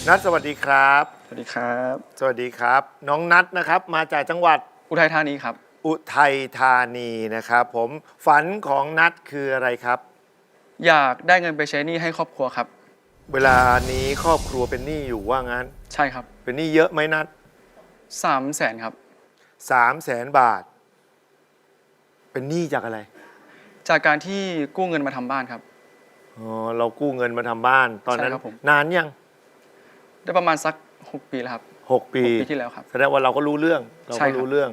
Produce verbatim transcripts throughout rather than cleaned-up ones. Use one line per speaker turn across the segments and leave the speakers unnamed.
นัทสวัสดีครับ
สวัสดีครับ
สวัสดีครับน้องนัทนะครับมาจากจังหวัด
อุทัยธานีครับ
อุทัยธานีนะครับผมฝันของนัทคืออะไรครับ
อยากได้เงินไปใช้หนี้ให้ครอบครัวครับ
เวลานี้ครอบครัวเป็นหนี้อยู่ว่างั้น
ใช่ครับ
เป็นหนี้เยอะไหมนัท
สามแสนครับ
สามแสนบาทเป็นหนี้จากอะไร
จากการที่กู้เงินมาทำบ้านครับ
อ๋อเรากู้เงินมาทำบ้านตอนนั้นนานยัง
ได้ประมาณสักหกปีแล้วครับ
หกปี
ปีที่แล้วครับ
แสดงว่าเราก็รู้เรื่องเราก็รู้เรื่อง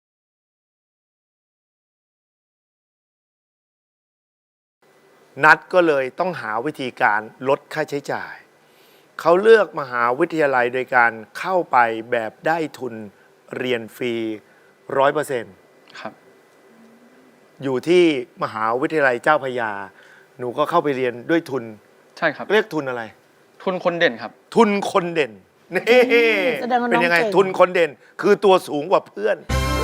นัดก็เลยต้องหาวิธีการลดค่าใช้จ่ายเขาเลือกมหาวิทยาลัยโดยการเข้าไปแบบได้ทุนเรียนฟรีร้อยเปอร์เซ็นต์
ครับ
อยู่ที่มหาวิทยาลัยเจ้าพระยาหนูก็เข้าไปเรียนด้วยทุน
ใช่ครับ
เรียกทุนอะไร
ทุนคนเด่นครับ
ทุนคนเด่นนี่เป็นยังไงทุนคนเด่นคือตัวสูงกว่าเพื่อน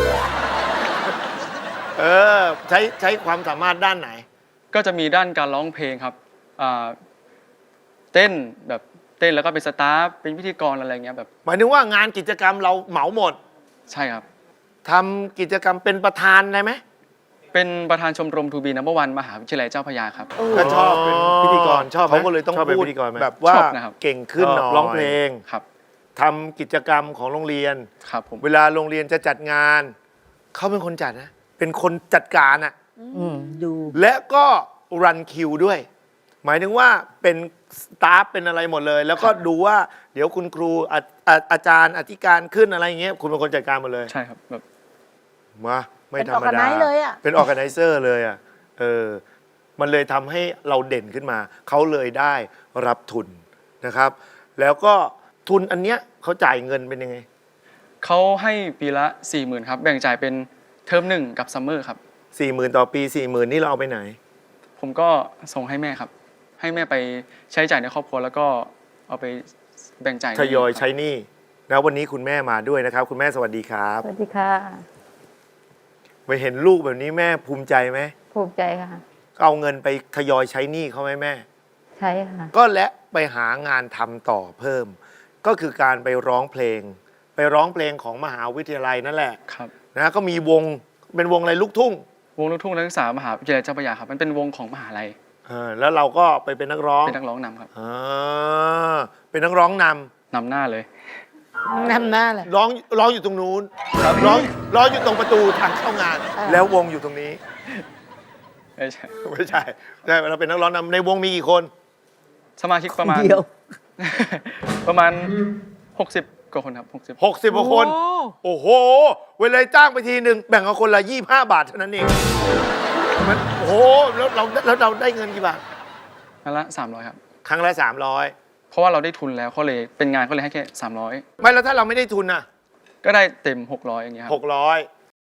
เออใช้ใช้ความสามารถด้านไหน
ก็จะมีด้านการร้องเพลงครับเต้นแบบเต้นแล้วก็เป็นสตาฟเป็นพิธีกรอะไรเงี้ยแบบ
หมายถึงว่างานกิจกรรมเราเหมาหมด
ใช่ครับ
ทำกิจกรรมเป็นประธานได้ไหม
เป็นประธานชมรมทูบีนัมเบอร์วันมหาวิทยาลัยเจ้าพระยาครับ
ก็ชอบเป็นพิธีกรชอบเขาก็เลยต้องพูดแบบว่าเก่งขึ้นหน่อยร้องเพลง
ครับ
ทำกิจกรรมของโรงเรียน
ครับผม
เวลาโรงเรียนจะจัดงานเขาเป็นคนจัดนะเป็นคนจัดการอ่ะ
ดู
และก็รันคิวด้วยหมายถึงว่าเป็นสตาฟเป็นอะไรหมดเลยแล้วก็ดูว่าเดี๋ยวคุณครูอาอาจารย์อธิการขึ้นอะไรอย่างเงี้ยคุณเป็นคนจัดการหมดเลย
ใช่ครับแบบ
มาไม่ธรรมดาเป็นออร์แกไนเซอร์เลยอ่ะเออมันเลยทำให้เราเด่นขึ้นมาเขาเลยได้รับทุนนะครับแล้วก็ทุนอันเนี้ยเขาจ่ายเงินเป็นยังไง
เขาให้ปีละสี่หมื่นครับแบ่งจ่ายเป็นเทอมหนึ่งกับซัมเมอร์ครับ
สี่หมื่นต่อปีสี่หมื่นนี่เราเอาไปไหน
ผมก็ส่งให้แม่ครับให้แม่ไปใช้จ่ายในครอบครัวแล้วก็เอาไปแบ่งจ่าย
ทยอยใช้หนี้แล้ววันนี้คุณแม่มาด้วยนะครับคุณแม่สวัสดีครับ
สวัสดีค่ะ
ไปเห็นลูกแบบนี้แม่ภูมิใจไหม
ภูมิใจค่ะ
เอาเงินไปทยอยใช้หนี้เขาไหมแม่
ใช่ค่ะ
ก็และไปหางานทำต่อเพิ่มก็คือการไปร้องเพลงไปร้องเพลงของมหาวิทยาลัยนั่นแหละ
ครับ
นะก็มีวงเป็นวงอะไรลูกทุ่ง
วงลูกทุ่งนักศึกษามหาวิทยาลัยเจ้าพระยาครับมันเป็นวงของมหาลัย
แล้วเราก็ไปเป็นนักร้อง
เป็นนักร้องนำครับ
อ่าเป็นนักร้องน
ำนำหน้าเลย
นำหน้าเลย
ร้องร้องอยู่ตรงนู้นร้องร้องอยู่ตรงประตูทางเข้างานแล้ววงอยู่ตรงนี้
ไม่ใช่
ไม่ใช่ใช่เราเป็นนักร้องนำในวงมีกี่คน
สมาชิกประมาณประมาณหกสิบกว่าคนครับหกสิบ
หกสิบกว่าคนโอ้โหเวลาจ้างไปทีหนึ่งแบ่งกันคนละยี่สิบห้าบาทเท่านั้นเองมันโอ้โหแล้วเราแล้วเราได้เงินกี่บาท
ครั้งละสามร้อยครับ
ครั้งละสามร้อย
เพราะว่าเราได้ทุนแล้วเขาเลยเป็นงานเขาเลยให้แค่สามร้อย
ไม่แล้วถ้าเราไม่ได้ทุนอ่ะ
ก็ได้เต็มหกร้อยอย่างเงี้ยครับ
หกร้อย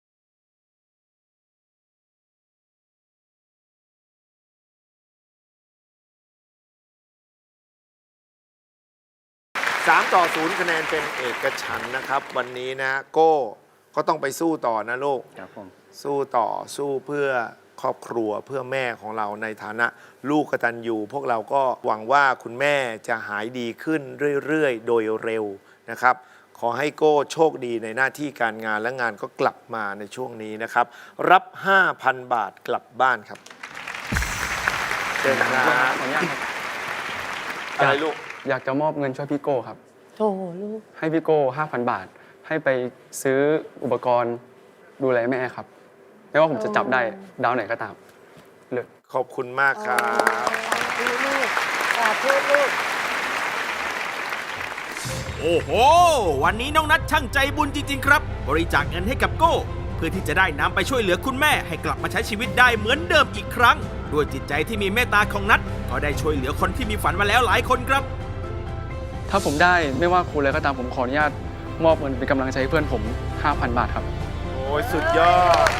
สามต่อศูนย์คะแนนเป็นเอกฉันท์นะครับวันนี้นะโก้ก็ต้องไปสู้ต่อนะลูก
ครับผม
สู้ต่อสู้เพื่อครอบครัวเพื่อแม่ของเราในฐานะลูกกตัญญูพวกเราก็หวังว่าคุณแม่จะหายดีขึ้นเรื่อยๆโดยเร็วนะครับขอให้โก้โชคดีในหน้าที่การงานและงานก็กลับมาในช่วงนี้นะครับรับ ห้าพัน บาทกลับบ้านครับเชิญครับ
ขออนุญาตครับ
อะไรลูก
อยากจะมอบเงินช่วยพี่โก้ครับ
โอ้ลูก
ให้พี่โก้ ห้าพัน บาทให้ไปซื้ออุปกรณ์ดูแลแม่ครับไม่ว่าผมจะจับได้ดาวไหนก็ตามเลย
ขอบคุณมากครับ
ลูกสาธุลูก
โอ้โหวันนี้น้องนัทช่างใจบุญจริงๆครับบริจาคเงินให้กับโก้เพื่อที่จะได้นำไปช่วยเหลือคุณแม่ให้กลับมาใช้ชีวิตได้เหมือนเดิมอีกครั้งด้วยจิตใจที่มีเมตตาของนัทก็ได้ช่วยเหลือคนที่มีฝันมาแล้วหลายคนครับ
ถ้าผมได้ไม่ว่าครูอะไรก็ตามผมขออนุญาตมอบเงินเป็นกำลังใจให้เพื่อนผม ห้าพัน บาทครับ
โอ้ยสุดยอด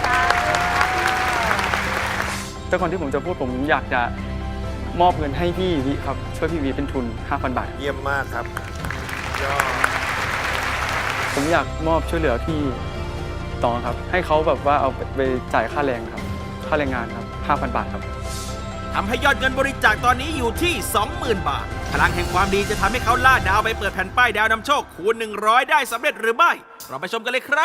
แต่ก่อนที่ผมจะพูดผมอยากจะมอบเงินให้พี่วิครับช่วยพี่วิเป็นทุน ห้าพัน บาท
เยี่ยมมากครับยอด
ผมอยากมอบช่วยเหลือพี่ต่อครับให้เขาแบบว่าเอาไปจ่ายค่าแรงครับค่าแรงงานครับ ห้าพัน บาทครับ
ทำให้ยอดเงินบริจาคตอนนี้อยู่ที่ สองหมื่น บาท พลังแห่งความดีจะทำให้เขาล่าดาวไปเปิดแผ่นป้ายดาวนำโชคคูณ หนึ่งร้อย ได้สำเร็จหรือไม่ เราไปชมกันเลยครับ